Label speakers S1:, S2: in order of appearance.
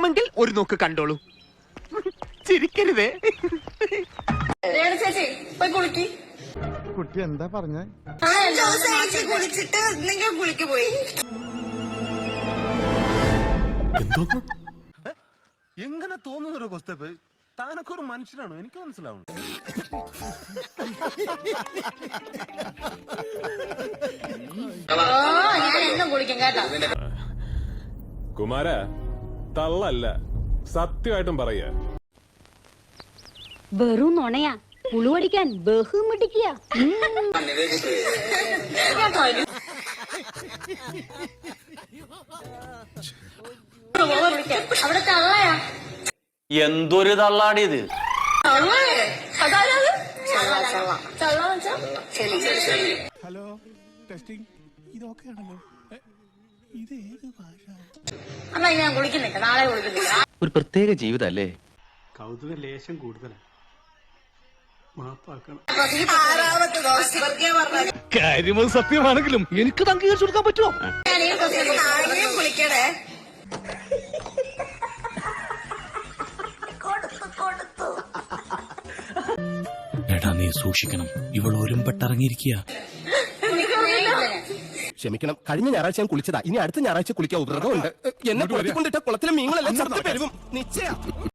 S1: കാണണമെങ്കിൽ ഒരു നോക്ക് കണ്ടോളൂ. ചിരിക്കരുതേ.
S2: ചേച്ചി പോയി കുളിക്ക്.
S3: കുട്ടി എന്താ പറഞ്ഞ?
S2: കുളിച്ചിട്ട് നിങ്ങൾ കുളിക്ക് പോയി.
S4: എങ്ങനെ തോന്നുന്നൊരു കൊസ്തപ്പ്? താനൊക്കെ ഒരു മനുഷ്യനാണോ? എനിക്ക് മനസ്സിലാവും.
S2: ഞാൻ എന്നും കുളിക്കും കേട്ടോ.
S5: കുമാര തള്ളല്ല, സത്യമായിട്ടും പറയാ.
S6: വെറും നുണയാ, പുളുവടിക്കാൻ ബഹുമിടിക്കുക.
S2: അവിടെ തള്ളയാ.
S7: എന്തൊരു തള്ളാടിയത്.
S3: Hello, testing. ഇതൊക്കെ ആണല്ലോ. ഇത് ഏത് ഭാഷ?
S2: അമ്മ ഞാൻ കുളിക്കുന്നില്ല, നാളെ കുളിക്കുന്നില്ല.
S7: ഒരു പ്രത്യേക ജീവിതല്ലേ.
S8: കൗതുക ലേശം കൂടുതലാണ്. മാപ്പാക്കണം.
S3: കാര്യം സത്യമാണെങ്കിലും എനിക്ക് അംഗീകരിച്ചു കൊടുക്കാൻ പറ്റുമോ?
S2: കുളിക്കണേ.
S9: എടാ നീ സൂക്ഷിക്കണം, ഇവൾ ഒരുമ്പെട്ടിറങ്ങിയിരിക്കുക.
S1: ക്ഷമിക്കണം, കഴിഞ്ഞ ഞായറാഴ്ച ഞാൻ കുളിച്ചതാ. ഇനി അടുത്ത ഞായറാഴ്ച കുളിക്കാൻ വ്രതമുണ്ട്. എന്നെ കൊണ്ടിട്ട കുളത്തിലെ മീങ്ങളെല്ലാം ചത്തു പെരുകും നിശ്ചയ.